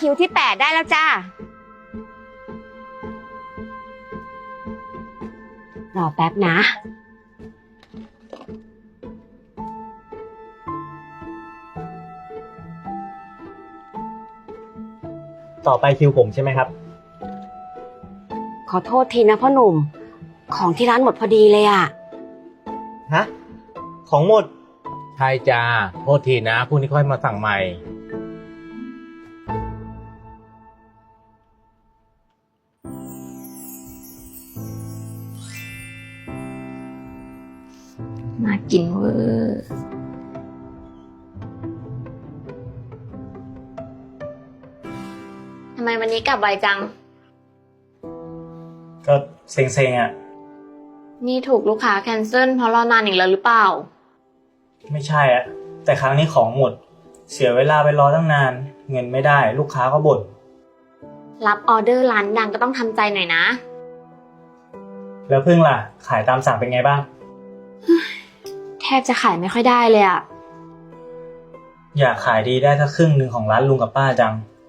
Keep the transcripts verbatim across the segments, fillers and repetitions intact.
คิวที่แปดได้แล้วจ้า รอแป๊บนะต่อไปคิวผมใช่ไหมครับขอโทษทีนะพ่อหนุ่ม ของที่ร้านหมดพอดีเลยอะฮะของหมดใช่จ้าโทษทีนะพรุ่งนี้ค่อยมาสั่งใหม่น่ากินเวอร์ทำไมวันนี้กลับไวจังก็เซ็งๆอ่ะนี่ถูกลูกค้าแคนเซิลเพราะรอนานอีกแล้วหรือเปล่าไม่ใช่อ่ะแต่ครั้งนี้ของหมดเสียเวลาไปรอตั้งนานเงินไม่ได้ลูกค้าก็บ่นรับออเดอร์ร้านดังก็ต้องทำใจหน่อยนะแล้วพึ่งล่ะขายตามสั่งเป็นไงบ้างแทบจะขายไม่ค่อยได้เลยอะอยากขายดีได้สักครึ่งหนึ่งของร้านลุงกับป้าจัง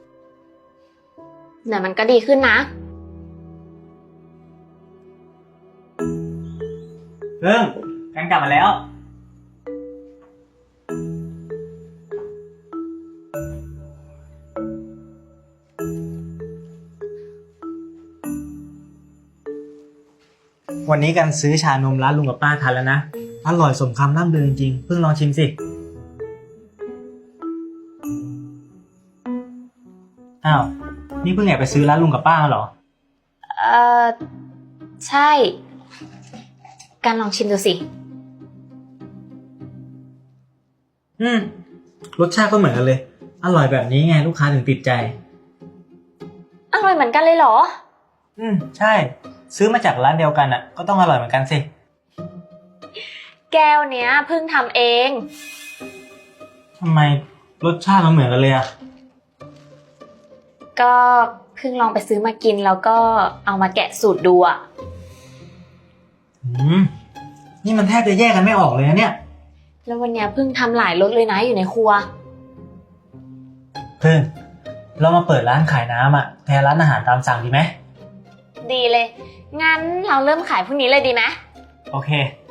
เดี๋ยวมันก็ดีขึ้นนะพึ่งกันกลับมาแล้ววันนี้กันซื้อชานมร้านลุงกับป้าทานแล้วนะอร่อยสมคำล่ำลือจริงๆเพิ่งลองชิมสิอ้าวนี่เพิ่งแอบไปซื้อร้านลุงกับป้าเหรอเออใช่การลองชิมดูสิอืมรสชาติก็เหมือนกันเลยอร่อยแบบนี้ไงลูกค้าถึงติดใจอร่อยเหมือนกันเลยเหรออืมใช่ซื้อมาจากร้านเดียวกันอ่ะก็ต้องอร่อยเหมือนกันสิแก้วเนี้ยเพิ่งทำเองทำไมรสชาติมันเหมือนกันเลยอ่ะก็เพิ่งลองไปซื้อมากินแล้วก็เอามาแกะสูตรดูอ่ะอืมนี่มันแทบจะแยกกันไม่ออกเลยนะเนี่ยแล้ววันเนี้ยเพิ่งทำหลายรสเลยนะอยู่ในครัวเพิ่งเรามาเปิดร้านขายน้ำอ่ะแทนร้านอาหารตามสั่งดีไหมดีเลยงั้นเราเริ่มขายพรุ่งนี้เลยดีไหมโอเค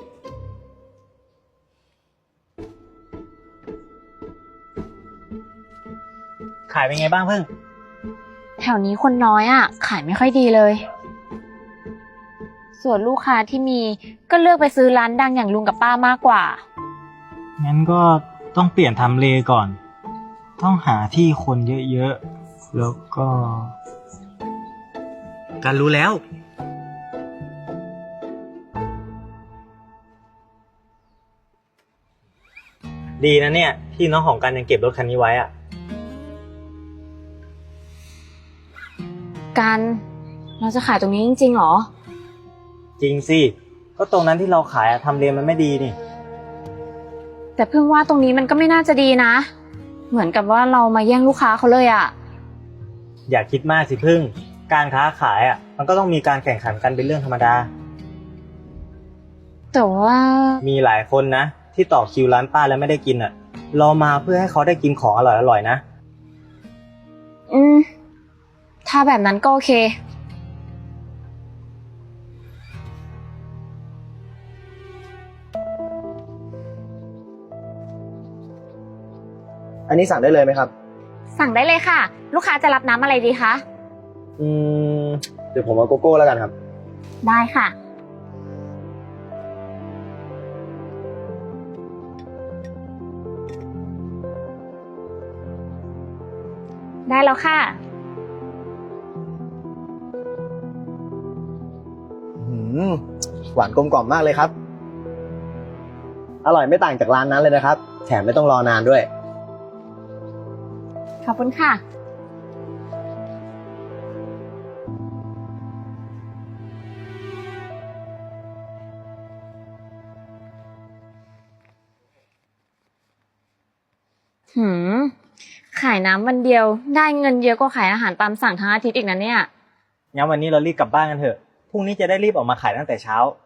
ขายเป็นไงบ้างเพิ่งแถวนี้คนน้อยอ่ะขายไม่ค่อยดีเลยส่วนลูกค้าที่มีก็เลือกไปซื้อร้านดังอย่างลุงกับป้ามากกว่างั้นก็ต้องเปลี่ยนทำเลก่อนต้องหาที่คนเยอะๆแล้วก็การรู้แล้วดีนะเนี่ยพี่น้องของกันยังเก็บรถคันนี้ไว้อะกันเราจะขายตรงนี้จริงๆหรอจริงสิก็ตรงนั้นที่เราขายทำเลมันไม่ดีนี่แต่เพิ่งว่าตรงนี้มันก็ไม่น่าจะดีนะเหมือนกับว่าเรามาแย่งลูกค้าเขาเลยอะอย่าคิดมากสิพึ่งการค้าขายอะมันก็ต้องมีการแข่งขันกันเป็นเรื่องธรรมดาแต่ว่ามีหลายคนนะที่ต่อคิวร้านป้าแล้วไม่ได้กินอะรอมาเพื่อให้เขาได้กินของอร่อยๆนะอืมถ้าแบบนั้นก็โอเคอันนี้สั่งได้เลยไหมครับสั่งได้เลยค่ะลูกค้าจะรับน้ำอะไรดีคะอืมเดี๋ยวผมเอาโกโก้แล้วกันครับได้ค่ะได้แล้วค่ะอืมหวานกลมกล่อมมากเลยครับอร่อยไม่ต่างจากร้านนั้นเลยนะครับแถมไม่ต้องรอนานด้วยขอบคุณค่ะหืมขายน้ำวันเดียวได้เงินเยอะกว่าขายอาหารตามสั่งทั้งอาทิตย์อีกนะเนี่ยงั้นวันนี้เรารีบกลับบ้านกันเถอะพรุ่งนี้จะได้รีบออกมาขายตั้งแต่เช้า